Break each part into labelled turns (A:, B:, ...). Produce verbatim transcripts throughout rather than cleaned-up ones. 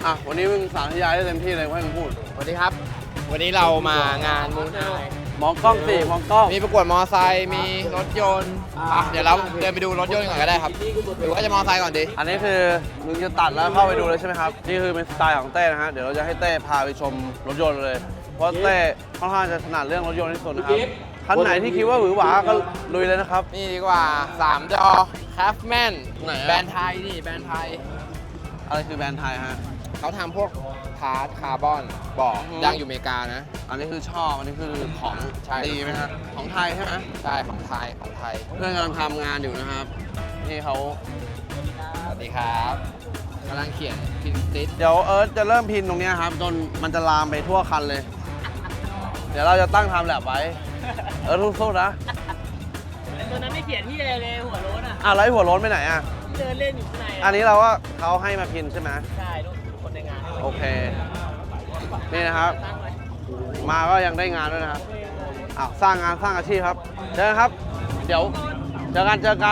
A: อ่ะวันนี้มึงสาธยายได้เต็มที่เลยให้มึงพูด
B: สวัสดีครับ วันนี้เรามางานมูนไอ
A: มองกล้องสิมองกล้อง
B: มีประกวดมอไซค์มีรถยนต์อ่ะเดี๋ยวเราเดินไปดูรถยนต์ก่อนก็ได้ครับหรือว่าจะมอไซค์ก่อนดี
A: อันนี้คือมึงจะตัดแล้วเข้าไปดูเลยใช่ไหมครับนี่คือเป็นสไตล์ของเต้นะฮะเดี๋ยวเราจะให้เต้พาไปชมรถยนต์เลยเพราะเต้ค่อนข้างจะถนัดเรื่องรถยนต์ที่สุดนะครับคันไหนที่คิดว่าหวือหวาก็ลุยเลยนะครับ
B: นี่ดีกว่าสามจอ Craftman
A: ไหนอะ
B: แบรนด์ไทยนี่แบรนด์ไทย
A: อะไรคือแบรนด์ไทยฮะ
B: เขาทำพวกพาร์ทคาร์บอนบอก
A: อืม
B: ดังอยู่อเมริกานะ
A: อันนี้คือชอบอันนี้คือของ
B: ใช่
A: ดีไหมฮะของไทยใช่ไหม
B: ใช่ของไทยของไทย
A: เพื่อนกำลังทำงานอยู่นะครับนี่เขา
B: สวัสดีครับกำลังเขียนพินติส
A: เดี๋ยวเอิร์ธจะเริ่มพินตรงเนี้ยครับจนมันจะลามไปทั่วคันเลย เดี๋ยวเราจะตั้งไทม์แลปไว้ เอิร์ธสู้ๆนะ
C: ตัวนั้นไม่เขียนที่อะไรเลยหัวโล้นอ่ะ
A: อ่ะแล้วไอ้หัวโล้นไปไหนอ่ะ
C: เดินเล่นอยู่ข้างใน
A: อันนี้เราก็เขาให้มาพินใช่ไหม
C: ใช่ลูกคนในงาน
A: โอเค นี่นะครับ
C: ตั้งไว้
A: มาก็ยังได้งานด้วยนะครับอ้าวสร้างงานสร้างอาชีพครับเจอกันครับ เดี๋ยวเจอกันเจอกัน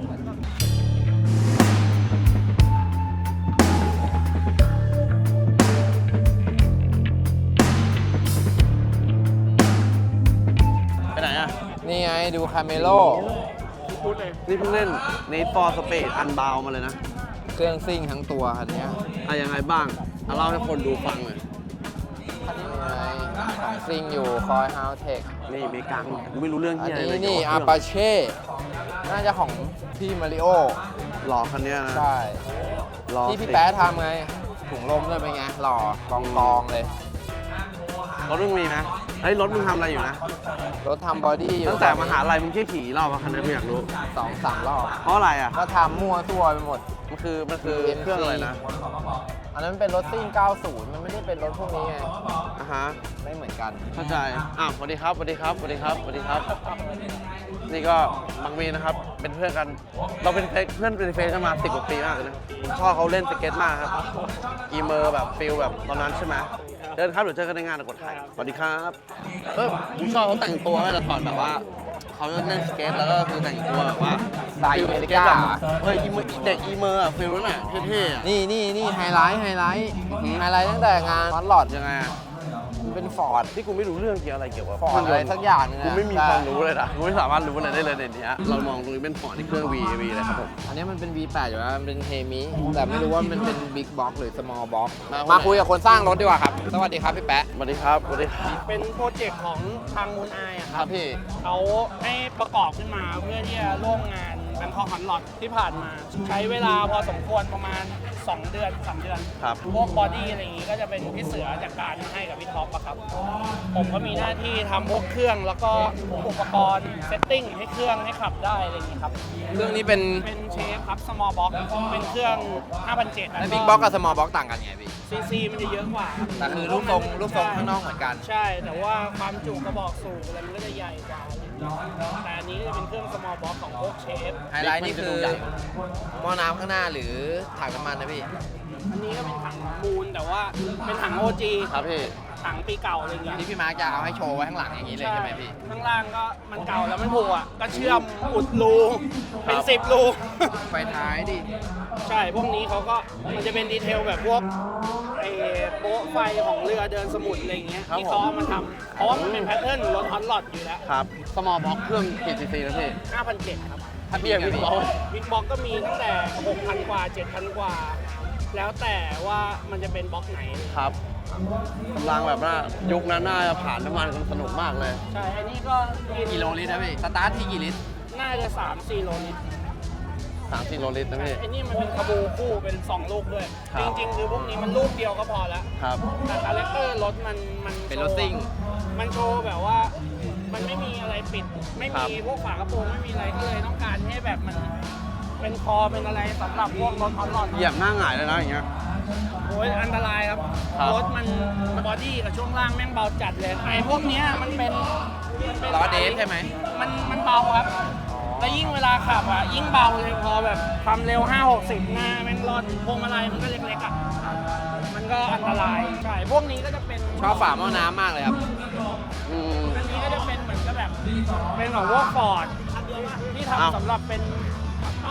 A: ไปไหนอ่ะ
B: นี่ไงดูคาเมโล
A: นี่เพิ่งเล่นในฟอร์สเปดอันบาวมาเลยนะ
B: เครื่องซิ่งทั้งตัวคันเนี้ย
A: อะยังไงบ้างเอาเล่าให้คนดูฟังหน่อย
B: นี่ไงของซิ่งอยู่คอยฮาวเทค
A: นี่เมกังกูไม่รู้เรื่อง
B: อัน
A: ที่อะไร
B: นี้
A: เลย
B: นี่
A: เกี่ยว
B: อา
A: กับ
B: ปาเช่น่าจะของพี่มาริโอ
A: หล่อคันเนี้ยนะ
B: ใช่
A: หล่อ
B: ที่พี่
A: สิ
B: แป๊ะทำไงถุงลมด้วยเป็นไงหล่อกองกองเลย
A: รถมึงมีไหมไอ้ยรถมึงทำอะไรอยู่นะ
B: รถทำบอดี้อยู่
A: ตั้งแต่มหาลัยมึงแค่ขี่รอบอะคันนี้ไม่อยากรู้
B: สองสามรอบ
A: เพราะอะไรอ่ะ
B: ก็ทำมั่วตัวไปหมด
A: มันคือมันคือเครื่องอะไรนะ
B: อันนั้นเป็นรถซิ่งเก้าสิบมันไม่ได้เป็นรถพวกนี้ไง
A: อ่ะฮะ
B: ไม่เหมือนกัน
A: เข้าใจอ่ะสวัสดีครับสวัสดีครับสวัสดีครับสวัสดีครับ นี่ก็บางมีนะครับ เป็นเพื่อนกัน เราเป็นเฟซเพื่อนเป็นเฟซกันมาสิบกว่าปีมากเลยนะผมชอบเขาเล่นสเก็ตมากครับ อีเมอร์แบบฟิลแบบตอนนั้นใช่ไหมเดินครับเดี๋ยวเจอกันในงานนะกดถ่ายสวัสดีครับเออผมชอบเขาแต่งตัวให้แต่ก่อนแบบว่าเขาเล่นสเก็ตแล้วก็คือแต่งตัวแบบว่า
B: สไตล์
A: ฟิล
B: อเมริ
A: สเก็ต
B: กา
A: แบบเฮ้ยอีเมอร์เด็กอีเมอร์อะฟิลนั้นอะเท่ๆอะ
B: นี่นี่นี่ไฮไลท์ไฮไลท์ไฮไลท์ตั้งแต่งานฟอนหลอด
A: ยังไงอะ
B: มันเป็นฟอร์ด
A: ที่กูไม่รู้เรื่องเกี่ยวอะไรเกี่ยวกับ
B: ฟอร์ดอะไรสักอย่างนึง
A: กู
B: อะ
A: ไม่มี
B: ใช่
A: ความรู้เลยนะกูไม่สามารถรู้อะไรได้เลยในนี้เรามองตรงนี้เป็นฟอร์ดที่เครื่อง V V เลยครับผม
B: อันนี้มันเป็น วี แปด อยู่แล้วมันเป็นเฮมิแต่ไม่รู้ว่ามันเป็น Big Box หรือ Small Box
A: มา
B: มาคุยกับคนสร้างรถดีกว่าครับ สวัสดีครับพี่แป๊ะ
A: สวัสดีครับสวัสดีครับ
C: เป็นโปรเจกต์ของทางมูนไออะ
A: ค
C: ค
A: รั
C: รั
A: บบ พี่
C: เขาให้ประกอบขึ้นมาเพื่อที่จะร่วมงานแบงคอกฮอนลอตที่ผ่านมา ใช้เวลาพอสมควรประมาณ สอง เดือนสามเดือน
A: ครับ
C: พวกบอดี้อะไรอย่างงี้ก็จะเป็นพี่เสือจากการให้กับพี่ท็อปอะครับ ผมก็มีหน้าที่ทำพวกเครื่องแล้วก็อุปกรณ์เซตติ้งให้เครื่องให้ขับได้อะไรอย่างงี้ครับ
B: เครื่องนี้เป็น
C: เป็นเชฟครับ small box เป็นเครื่อง ห้าพันเจ็ดร้อย
B: แล้ว Big Box กับ Small Box ต่างกันไงพี่
C: ซีซีมันจะเยอะกว่า
B: แต่คือรูปทรงรูปทรงข้างนอกเหมือนกัน
C: ใช่ แต่ว่าความจุกระบอกสูบอะไรมันก็จะใหญ่กว่า แต่อันนี้ก็จะเป็นเครื่อง small box ของพวกเชฟ
B: ไฮไลท์นี่คือหม้อน้ำข้างหน้าหรือถังน้ำมันนะพี่
C: อันนี้ก็เป็นถังมูลแต่ว่าเป็นถัง โอ จี
A: ครับพี่
C: ถังปีเก่าอะไรอย่างเงี้ย
B: ที่พี่มาร์คจะเอาให้โชว์ไว้ข้างหลังอย่างนี้เลยใช่ไหมพี่
C: ข้างล่างก็มันเก่าแล้วมันผูกอ่ะ ก็เชื่อมอุดรู เป็น
A: ครับ
C: สิบรู
B: ไฟท้ายดิ
C: ใช่ พวกนี้เขาก็มันจะเป็นดีเทลแบบพวกไอ้โป๊ะไฟของเรือเดินสมุทรอะไรอย่างเงี้ย
A: ครับ
C: ที่เขาเอามาทำเพราะว่ามันเป็นแพทเทิร์นรถฮอตลอดอยู่แล้ว
A: ครับ small box เครื่องกี่ซีซีนะพี่
C: ห้าพันเจ็ดครับ
B: ถ้า
A: เบียร์
B: พี่
A: พี่บอล
C: บิ๊กบ็อกก็มีตั้งแต่ หกพัน กว่า เจ็ดพัน กว่า แล้วแต่ว่ามันจะเป็นบล็อกไหน
A: ครับกำลังแบบว่ายุคนั้นน่าจะผ่านน้ำมันกันสนุกมากเลย
C: ใช่ อันนี้ก็กิน
B: กิโลลิตรนะพี่ สตาร์ทที่กี่ลิตร
C: น่าจะ สามสี่ โลลิตร
A: สามสี่โลลิตรนะพี่
C: ไอ้นี่มันเป็นคาบูคู่เป็นสองลูกด้วย
A: ครับ
C: จริงๆ คือพวกนี้มันลูกเดียวก็พอแล้ว
A: ครับ
C: แต่คาแรคเตอร์รถมันมัน
B: เป็นรถซิ่ง
C: มันโชว์แบบว่ามันไม่มีอะไรปิด ไม่
A: ครั
C: มี
A: บ
C: พวกฝากระโปรงไม่มีอะไรก็เลยต้องการให้แบบมันเป็นคอเป็นอะไรสำหรับพวกรถฮอตลอด
A: เหยียบหน้าหงายเลยนะอย่างเงี้ย
C: โอ้ยอันตรายครับ
A: ครับ
C: รถมันบอดี้กับช่วงล่างแม่งเบาจัดเลยไอ้พวกเนี้ยมันเป็นมันเป็น
B: ล้อเดฟใช่ไหม
C: มันมันเบาครับ แล้วยิ่งเวลาขับอ่ะยิ่งเบาเลยพอแบบความเร็วห้าหกสิบหน้าแม่งรอดพวงมาลัยมันก็เล็กๆอ่ะมันก็อันตรายใช่พวกนี้ก็จะเป็น
B: ชอบฝาหม้อน้ำมากเลยครับ
A: อืม
C: อันนี้ก็จะเป็นเหมือนกับแบบเป็นของพวกฟอร์ดที่
A: อ้าว
C: ทำสำหรับเป็น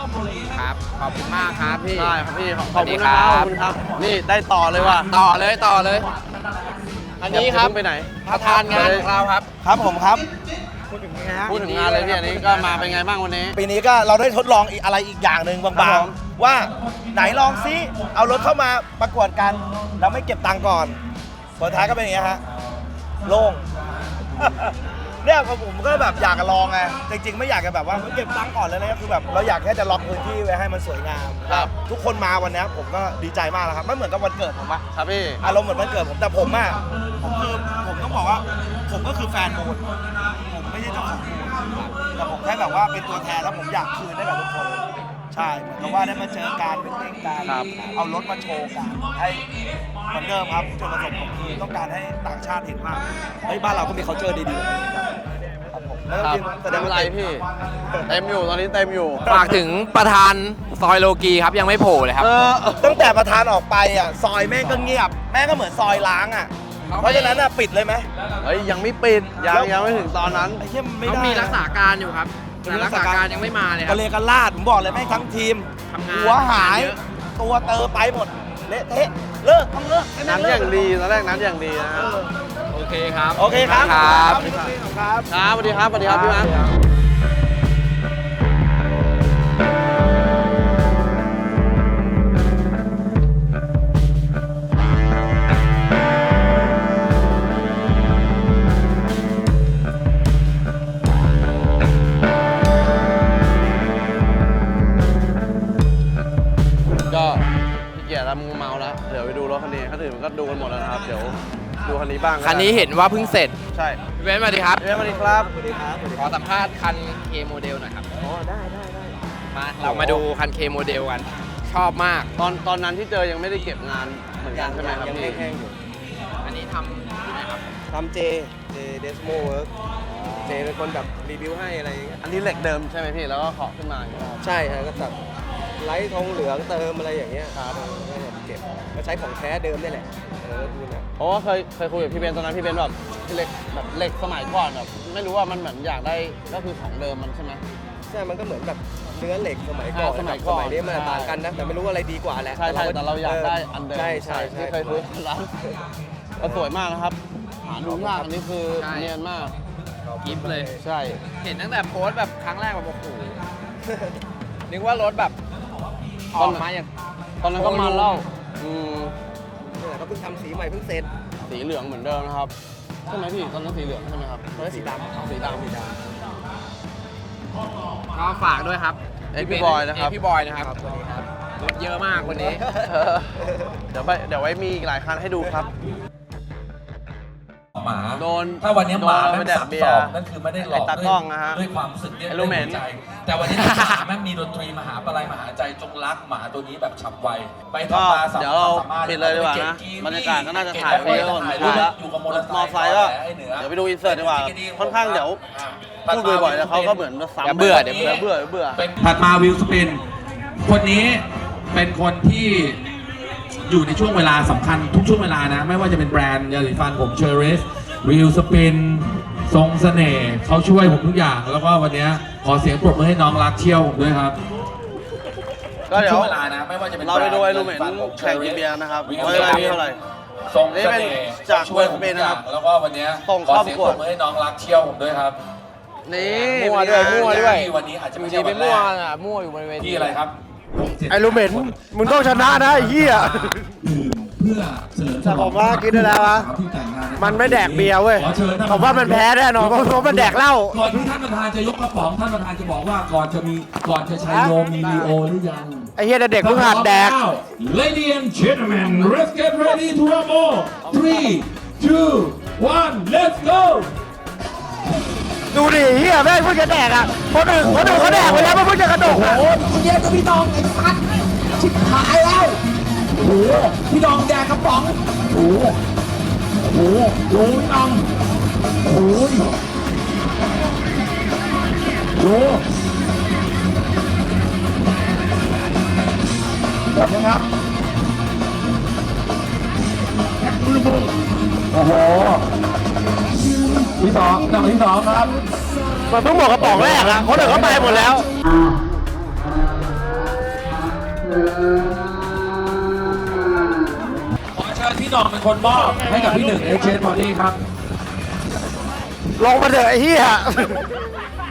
B: ครับ ขอบคุณมากครับพี่
A: ได้ครับพี่ ขอบ
B: สวัสดี
A: คุณนะครับ
B: ครับ
A: ขอบคุณครับ นี่ได้ต่อเลยว่ะ
B: ต่อเลยต่อเลย อันนี้ครับ
A: อย่าเพิ่งไปไหน
B: ประธานงานของเราครับ
D: ครับผมครับ
A: พูดถึงงานเลยพี่อันนี้ก็มาเป็นไงบ้างวันนี้
D: ปีนี้ก็เราได้ทดลองอีกอะไรอีกอย่างหนึ่ง
A: ครับ
D: บาง
A: ผม
D: ๆว่าไหนลองซิเอารถเข้ามาประกวดกันแล้วไม่เก็บตังค์ก่อนผลท้ายก็เป็นอย่างเงี้ยฮะโล่ง เนี่ยผมก็แบบอยากจะลองไงจริงๆไม่อยากจะแบบว่าเก็บตังค์ก่อนเลยนะคือแบบเราอยากแค่จะล็อกพื้นที่ไว้ให้มันสวยงาม
A: ครับ
D: ทุกคนมาวันเนี้ยผมก็ดีใจมากแล้วครับไม่เหมือนกับวันเกิดผมอะ
A: ครับพี่
D: อารมณ์เหมือนวันเกิดผมแต่ผมอะผมคือผมต้องบอกว่าผมก็คือแฟนมูลผมไม่ใช่เจ้าของมูลแต่ผมแค่แบบว่าเป็นตัวแทนแล้วผมอยากคืนให้กับทุกคนใช่เหมือนกับว่าได้มาเจอการเป็นเล่นกัน
A: ครับ
D: เอารถมาโชว์กันให้เหมือนเดิมครับจุดประสงค์ผมคือต้องการให้ต่างชาติเห็นว่าเฮ้ยบ้านเราก็มี culture ดีๆครับผมแล้ว
A: ครับ
D: ทีมแสด
A: ไม่
D: ง
A: เป็น
D: ว่า
A: ไรพี่ เต็มอยู่ตอนนี้เต็มอยู่
B: ฝากถึงประธานซอยโลกีครับยังไม่โผล่เลยครับ
A: เออ
D: ตั้งแต่ประธานออกไปอ่ะซอยแม่งก็เงียบ แม่งก็เหมือนซอยล้างอ่ะ
B: เขาไม่
D: เพราะฉะนั้นอ่ะปิดเลยไหม
A: เฮ้ยยังไม่ปิด ยังยังไม่ถึงตอนนั้น
D: ไอ้เหี้ยไม่
B: เขา
D: ได้
B: มีรักษาการอยู่ครับแต่รักษาการยังไม่มาเลยค
D: ก
B: รั
D: ระ
B: บ
D: เลกันลาดผมบอกเลยแม่งทั้งทีม
B: ทำงาน
D: หัวหาย
B: เยอะ
D: ตัวเตอไปหมด เละเทะเลิกต้องเลิกให้แม่
A: นั้น
D: เลิ
A: อก ย่างดีตอนแรกนั้นอย่างดีนะ
D: เออ
B: โอเคครับ
D: โอเคครับ
B: ครับ
D: ขอบคุณครับ
A: ครับสวัสดีครับสวัสดีครับพี่มาร์ค ก็พี่เกียรติแล้วมึงเมาแล้ว เดี๋ยวไปดูรถคันนี้คันอื่นมันก็ดูกันหมดแล้วนะครับ เดี๋ยวดูคันนี้บ้าง
B: คันนี้เห็นว่าเพิ่งเสร็จ
A: ใช่
B: พี่เบนซ์สวัสดีครับ
A: เอ้ยสวัสดีครับ
B: ขอสัมภาษณ์คัน K โมเดลหน่อยครับอ๋อได้ได้ได้มาเรามาดูคัน K โมเดลกัน ชอบมาก
A: ตอนตอนนั้นที่เจอยังไม่ได้เก็บงานเหมือนกันใช่ไหมครับ
E: ยัง
A: พี่
E: แห้งๆอยู่
B: อันนี้ทำที่ไหนครับ
E: ทำเจ เจเดสโมเวิร์กเจเป็นคนแบบรีวิวให้อะไรอย่างเงี้ย
A: อันนี้เหล็กเดิมใช่ไหมพี่ แล้วก็เคาะขึ้นมาอย่างเงี้ย
E: ใช่ฮะก็ตัดไลท์ทองเหลืองเติมอะไรอย่างเงี้ยครับก็แบบเก็บก็ใช้ของแท้เดิมนี่แหละเออดูนะ
A: เพราะว่าเคยเคยคุยกับพี่เบนตอนนั้นพี่เบนแบบเหล็กแบบเหล็กสมัยก่อนแบบไม่รู้ว่ามันเหมือนอยากได้ก็คือของเดิมมันใช่ไหม
E: ใช่มันก็เหมือนแบบเนื้อเหล็กสมัยก่อน
A: อ่าสมัยก่อน
E: สมัยนี้มัน
A: ใช่
E: ต่างกันนะ แต่ไม่รู้อะไรดีกว่าแหละ
A: ใช่ใช่แต่เราอยากได้อันเดิม
E: ใช่ใช่ใช่
A: ที่เคยคุยกันร้านก็สวยมากนะครับหาดูยากอันนี้คือ
B: ใช่
A: เนียนมาก
B: กิฟเลย
A: ใช่
B: เห็นตั้งแต่โพสต์แบบครั้งแรกแบบโอ้โห นึกว่ารถแบบออกมาอย่าง
A: ตอนนั้นก็มาเล่าอืม
E: นี่แหละก็เพิ่งทำสีใหม่เพิ่งเสร็จ
A: สีเหลืองเหมือนเดิมนะครับใช่ไหมพี่ตอนนั้นสีเหลืองใช่ไหมครับ
E: ตอนนั้นสีดำ
A: สีดำ
E: สีด
B: ก็ฝากด้วยครับ
A: เอ็กซ์พี่บอยนะครับ
B: เกพี่บอยนะครับรถเยอะมากวันนี้
A: เออเดี๋ยวไปเดี๋ยวไว้มีอีกหลายคันให้ดูครับ
F: หมา
A: โดน
F: ถ้าวันนี้หมา
A: โดน
F: แม่
A: ไป
F: ง
A: แดก
F: สับ
A: เบีย
F: ส
A: ร์
F: องนั่นคือไม่ได้หลอก
A: ไอ้ตากล้องนะฮะ
F: ด้วยความรู้สึกเนี่ย
A: ไอ้ลูเหม็น
F: ด้วยหัวใจแต่วันนี้ถ้าหมาแม่งมีดนตรีมหาปลายมหาใจจงรักหมาตัวนี้แบบฉับไวไป
A: ก็
F: ทำมาสาม
A: เดี๋ยวเรา
F: สมถ
A: ปิดเลยดีกว่านะ
F: เก็
A: บรรยากาศก็น่าจะ
F: เบ
A: ถ่ายไปเยอะพอสมควรแล้ว
F: อยู่กับมอเตอร์ไซ
A: มอ
F: ค์
A: ไซค์ก็
F: ไอ้หนือ
A: เดี๋ยวไปดูอินเสิร์ตดีกว่า ค่อนข้างเดี๋ยวพูดบ่อยๆแล้วเขาก็เหมือนจะซ้ำ
B: เดี๋ยวเบื่อเดี๋ยวเบื่อ
A: เบื่อเบื่อ
F: เป็นถัดมาวิลสปิน คนนี้เป็นคนที่อยู่ในช่วงเวลาสำคัญทุกช่วงเวลานะ ไม่ว่าจะเป็นแบรนด์ยาสีฟันผมเชอริสวิลสปินทรงเสน่ห์เขาช่วยผมทุกอย่าง แล้วก็วันนี้ขอเสียงปรบมือให้น้องรักเที่ยวผมด้วยครับ
A: ก็เดี๋ยว
F: ช่วงเวลานะไม่ว่าจะเป็น
A: เราไปดูไอ้ลูเหม็น
F: แบรนด์
A: แข่งกินเบียร์นะครับ
F: วิล
A: ว่า
F: ส
A: เวลา
F: ปิ
A: มีเท่าไหร่
F: ทรง
A: นี่
F: เส
A: เป็น
F: น่ห์
A: จาก
F: ช่วยผม
A: วิลสปินนะครับ
F: แล้วก็วันนี้
A: ส่ง
F: ขอ
A: เข้า
F: เสียง
A: ประกวด
F: ปรบมือให้น้องรักเที่ยวผมด้วยครับ
A: นี่
B: มั่วด้วยมั่วด้วย
F: ที่วันนี้อาจจะ
B: อ
F: ไม่
B: ยู่
F: ใช่
B: ดีไป
F: วันแร
B: มั่ว
F: ก
B: อ่ะมั่วอยู่บนเวที
F: ที่อะไรครับ
D: ไอ้ลูเหม็นมึงต้องชนะนะไอ้เหี้ย
F: เพื่อเฉลิมฉ
D: แต่
F: ล
D: ผ
F: อง
D: มว่ากินได้แล้ววะ
F: สาวที่แต่งงา
D: มันไม่แดกเบียร์เว้ย
F: ขอชิญท่
D: ผมว่ามันแพ้แน่นอนเพราะเพราะมันแดกเหล้า
F: ก่อนที่ท่านประธานจะยกกระป๋องท่านประธานจะบอกว่าก่อนจะมีก่อนจะใช้โยมมีลีโอหรือยัง
D: ไอ้เหี้ยเด็กเพิ่งหัดแดก
F: Ladies and gentlemen let's get ready to rumble three two one let's go
D: ดูดิเฮียแม่งเพิ่งจะแดกอ่ะคนอื่นคนอื่นเขาแดกไปแล้วมันเพิ่งจะกระดกอ่ะ
F: โอ้ยเย็นกับพี่น้องไอ้สัตว์ชิบหายแล้วโอ้โหพี่น้องแดกกระป๋องโอ้โหโอ้โหโอ้ยน้องโอ้ยโอ้แบบนี้ครับโอ้โหที่สองหนังที่สองครับ
D: มันเพิ่งหมดกระป๋องแรกอ่ะคนอื่นเขาไปหมดแล้ว
F: ขอเชิญพี่หน่องเป็นคนมอบให้กับพี่หนึ่งเอเชนบอดี้ครับ
D: ลงมาเถอะไอ้เหี้ย